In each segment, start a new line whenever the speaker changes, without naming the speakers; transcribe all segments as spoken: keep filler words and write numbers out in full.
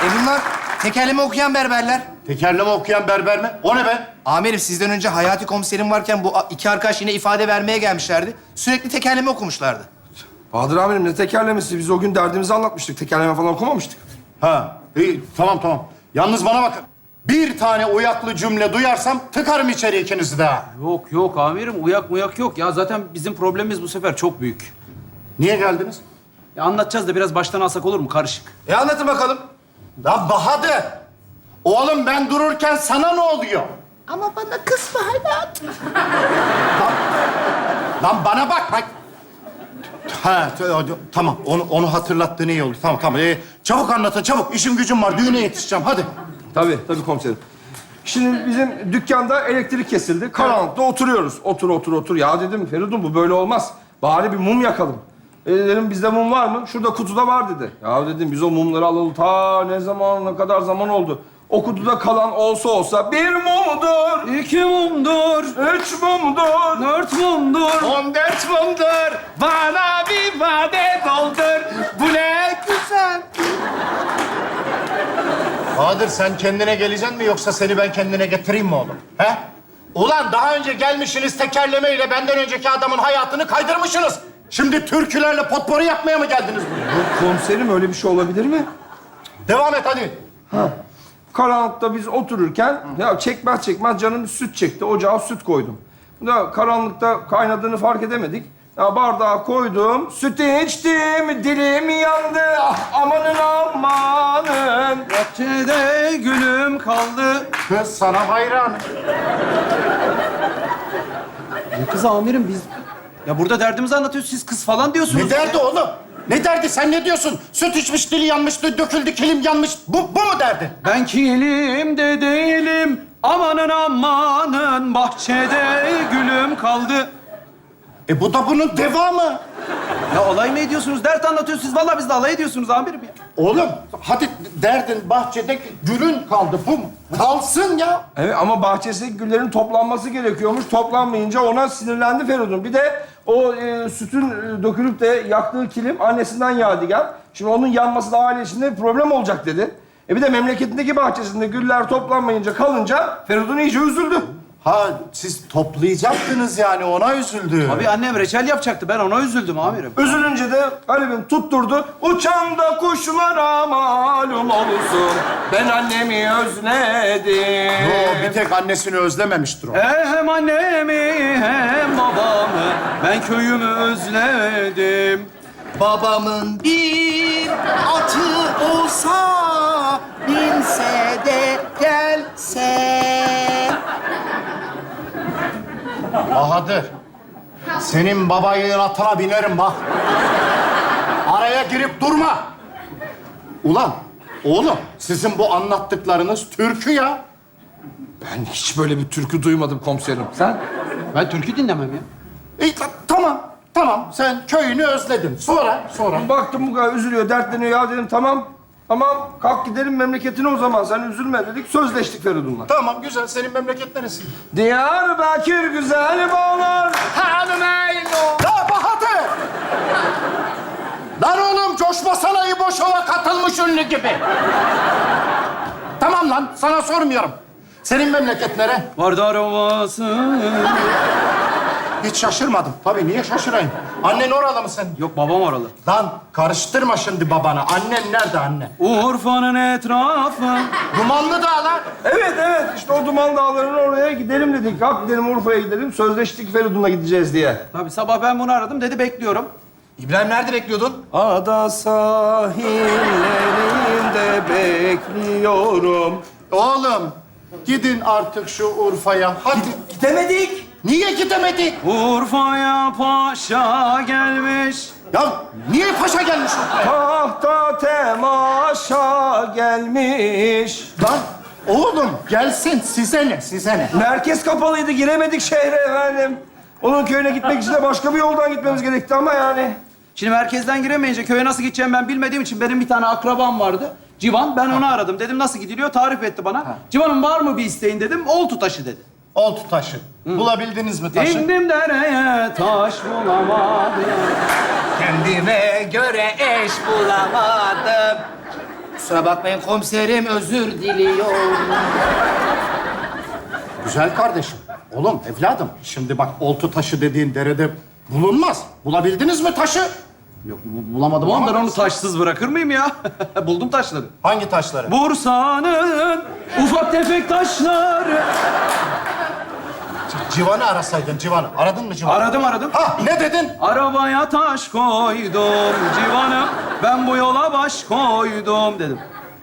E bunlar tekerleme okuyan berberler.
Tekerleme okuyan berber mi? O ne be?
Amirim sizden önce Hayati komiserim varken bu iki arkadaş yine ifade vermeye gelmişlerdi. Sürekli tekerleme okumuşlardı.
Bahadır amirim ne tekerlemesi? Biz o gün derdimizi anlatmıştık. Tekerleme falan okumamıştık.
Ha, iyi, tamam tamam. Yalnız bana bakın. Bir tane uyaklı cümle duyarsam tıkarım içeri ikinizi de ha.
Yok yok amirim, uyak muyak yok. Ya zaten bizim problemimiz bu sefer çok büyük.
Niye geldiniz?
Ya anlatacağız da biraz baştan alsak olur mu? Karışık.
E anlatın bakalım.
La Bahadır! Oğlum ben dururken sana ne oluyor?
Ama bana kızma hayatım.
Lan, lan bana bak bak. Ha t- o- tamam onu onu hatırlattığın iyi oldu. Tamam tamam. Ee, çabuk anlatın çabuk. İşim gücüm var. Düğüne yetişeceğim. Hadi.
Tabii, tabii komiserim. Şimdi bizim dükkanda elektrik kesildi. Karanlıkta oturuyoruz. Otur, otur, otur. Ya dedim Feridun bu böyle olmaz. Bari bir mum yakalım. E dedim bizde mum var mı? Şurada kutuda var dedi. Ya dedim biz o mumları alalım. Ta ne zaman, ne kadar zaman oldu. O kutuda kalan olsa olsa bir mumdur,
İki mumdur,
üç mumdur.
dört mumdur.
On dört mumdur. Bana bir vade doldur. Bu ne güzel.
Bahadır sen kendine geleceksin mi yoksa seni ben kendine getireyim mi oğlum? He? Ulan daha önce gelmişsiniz tekerlemeyle benden önceki adamın hayatını kaydırmışsınız. Şimdi türkülerle potpourri yapmaya mı geldiniz buraya?
Yok komiserim öyle bir şey olabilir mi?
Devam et hadi.
Karanlıkta biz otururken ya çekmez çekmez canım süt çekti. Ocağa süt koydum. Da karanlıkta kaynadığını fark edemedik. Ya bardağa koydum, sütü içtim, dilim yandı. Ah, amanın amanın.
Bahçede gülüm kaldı.
Kız sana hayran.
Ya kız amirim biz... Ya burada derdimizi anlatıyoruz, siz kız falan diyorsunuz.
Ne derdi oğlum? Ne derdi? Sen ne diyorsun? Süt içmiş, dili yanmış, döküldü, kilim yanmış. Bu, bu mu derdi?
Ben kilimde değilim, amanın amanın. Bahçede gülüm kaldı.
E bu da bunun devamı.
Ya alay mı ediyorsunuz? Dert anlatıyorsunuz. Siz vallahi biz de alay ediyorsunuz amirim ya.
Oğlum hadi derdin bahçede gülün kaldı. Bu mu? Kalsın ya.
Evet ama bahçesindeki güllerin toplanması gerekiyormuş. Toplanmayınca ona sinirlendi Feridun. Bir de o e, sütün e, dökülüp de yaktığı kilim annesinden yadigar. Şimdi onun yanması da aile içinde bir problem olacak dedi. E bir de memleketindeki bahçesinde güller toplanmayınca kalınca Feridun iyice üzüldü.
Ha siz toplayacaktınız yani ona üzüldü.
Abi annem reçel yapacaktı. Ben ona üzüldüm amirim.
Üzülünce de garibim tutturdu. Uçan da kuşlara malum olsun. Ben annemi özledim.
Yo, bir tek annesini özlememiştir o.
Hem annemi hem babamı ben köyümü özledim.
Babamın bir atı olsa, binse de gelse.
Bahadır, senin babayın atına binerim bak. Araya girip durma. Ulan, oğlum sizin bu anlattıklarınız türkü ya.
Ben hiç böyle bir türkü duymadım komiserim. Sen?
Ben türkü dinlemem ya.
İyi, ta- tamam, tamam. Sen köyünü özledin. Sonra, sonra.
Baktım bu kadar üzülüyor, dertleniyor. Ya dedim tamam, tamam kalk gidelim memleketine o zaman. Sen üzülme dedik, sözleştik Feridun'la.
Tamam, güzel. Senin memleket neresi?
Diyarbakır güzel bağlar.
Hanım eylo.
Ya Bahadır! Lan oğlum coşmasana İbo Şov'a katılmış ünlü gibi. Tamam lan, sana sormuyorum. Senin memleket nere?
Vardar Ovası.
Hiç şaşırmadım. Tabii niye şaşırayım? Annen oralı mı senin?
Yok babam oralı.
Lan karıştırma şimdi babana. Annen nerede anne?
Urfa'nın etrafı.
Dumanlı Dağlar.
Evet evet işte o Duman Dağları'nın oraya gidelim dedik. Kalk gidelim Urfa'ya gidelim. Sözleştik Feridun'la gideceğiz diye.
Tabii sabah ben bunu aradım. Dedi bekliyorum.
İbrahim nerede bekliyordun?
Ada sahillerinde bekliyorum.
Oğlum gidin artık şu Urfa'ya. Hadi.
Gidemedik.
Niye gidemedik?
Urfa'ya paşa gelmiş.
Ya niye paşa gelmiş Urfa'ya?
Tahta temaşa gelmiş.
Lan oğlum gelsin size ne size ne?
Merkez kapalıydı giremedik şehre efendim. Onun köyüne gitmek için de başka bir yoldan gitmemiz gerekti ama yani.
Şimdi merkezden giremeyince köye nasıl gideceğimi ben bilmediğim için benim bir tane akrabam vardı. Civan, ben onu aradım. Dedim nasıl gidiliyor? Tarif etti bana. Civan'ın var mı bir isteğin dedim. Oltu taşı dedi.
Oltu taşı. Bulabildiniz mi taşı?
İndim dereye taş bulamadım.
Kendime göre eş bulamadım. Kusura bakmayın komiserim, özür diliyorum.
Güzel kardeşim. Oğlum, evladım. Şimdi bak, oltu taşı dediğin derede bulunmaz. Bulabildiniz mi taşı?
Yok bu- bulamadım ama ben onu taşsız bırakır mıyım ya? Buldum taşları.
Hangi taşları?
Bursa'nın ufak tefek taşları.
Civan'ı arasaydın, Civan'ı. Aradın mı Civan'ı?
Aradım aradım.
Ha, ne dedin?
Arabaya taş koydum civanım. Ben bu yola baş koydum dedim.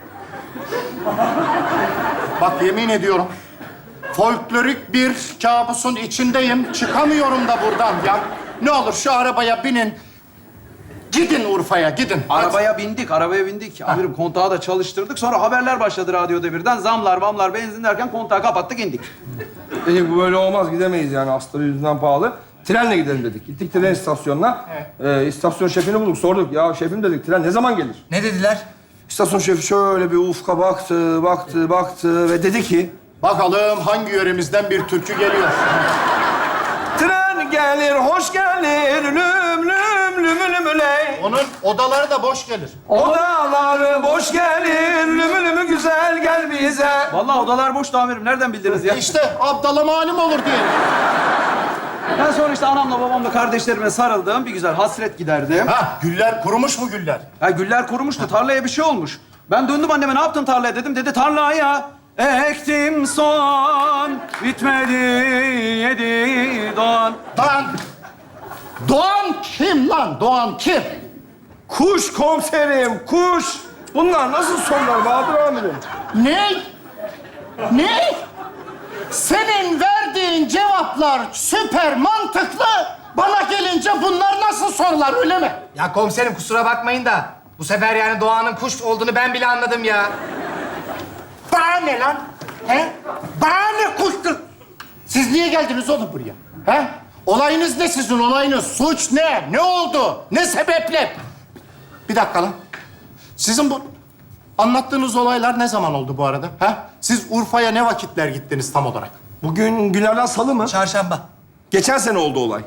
Bak yemin ediyorum, folklorik bir kabusun içindeyim. Çıkamıyorum da buradan ya. Ne olur şu arabaya binin. Gidin Urfa'ya, gidin. Hadi.
Arabaya bindik, arabaya bindik. Amirim kontağı da çalıştırdık. Sonra haberler başladı radyoda birden. Zamlar, bamlar, benzin derken kontağı kapattık, indik.
Dedik bu böyle olmaz, gidemeyiz yani astarı yüzünden pahalı. Trenle gidelim dedik. Gittik tren istasyonuna. Ee, istasyon şefini bulduk, sorduk. Ya şefim dedik, tren ne zaman gelir?
Ne dediler?
İstasyon şefi şöyle bir ufka baktı, baktı, baktı ve dedi ki...
Bakalım hangi yöremizden bir türkü geliyor.
Tren gelir, hoş gelir, lüm lüm lüm lüm ley.
Onun odaları da boş gelir.
Odaları boş gelir, lümü lümü güzel gel bize.
Vallahi odalar boştu amirim. Nereden bildiniz ya?
İşte Abdal'a malum olur diye.
Ben sonra işte anamla babamla kardeşlerime sarıldım. Bir güzel hasret giderdim.
Ha, güller kurumuş mu güller?
Ya güller kurumuştu. Tarlaya bir şey olmuş. Ben döndüm anneme, ne yaptın tarlaya dedim. Dedi tarlaya ektim soğan, bitmedi yedi doğan.
Lan! Doğan kim lan? Doğan kim?
Kuş komiserim, kuş. Bunlar nasıl sorular Bahadır amirim?
Ne? Ne? Senin verdiğin cevaplar süper mantıklı. Bana gelince bunlar nasıl sorular, öyle mi?
Ya komiserim kusura bakmayın da bu sefer yani Doğan'ın kuş olduğunu ben bile anladım ya.
Bana ne lan? He? Bana ne kuştu? Siz niye geldiniz oğlum buraya? He? Olayınız ne sizin, olayınız? Suç ne? Ne oldu? Ne sebeple? Bir dakika lan. Sizin bu anlattığınız olaylar ne zaman oldu bu arada? He? Siz Urfa'ya ne vakitler gittiniz tam olarak?
Bugün günlerden salı mı?
Çarşamba.
Geçen sene oldu olay.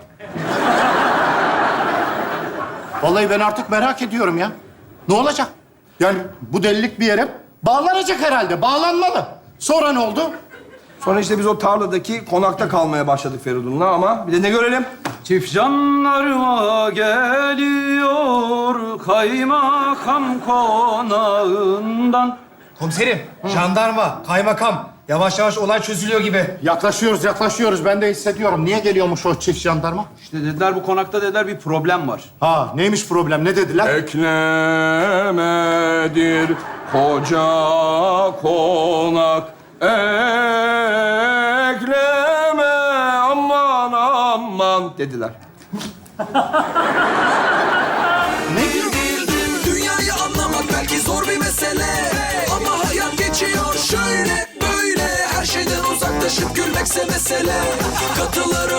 Vallahi ben artık merak ediyorum ya. Ne olacak? Yani bu delilik bir yere bağlanacak herhalde. Bağlanmalı. Sonra ne oldu?
Sonra işte biz o tarladaki konakta kalmaya başladık Feridun'la ama bir de ne görelim?
Çift jandarma geliyor kaymakam konağından.
Komiserim, jandarma, kaymakam. Yavaş yavaş olay çözülüyor gibi.
Yaklaşıyoruz, yaklaşıyoruz. Ben de hissediyorum. Niye geliyormuş o çift jandarma?
İşte dediler bu konakta dediler bir problem var.
Ha, neymiş problem? Ne dediler?
Eklemedir koca konak. Ekleme aman aman dediler.
Dünyayı anlamak belki zor bir mesele, ama hayat geçiyor şöyle böyle. Her şeyden uzaklaşıp gülmekse mesele. Katıları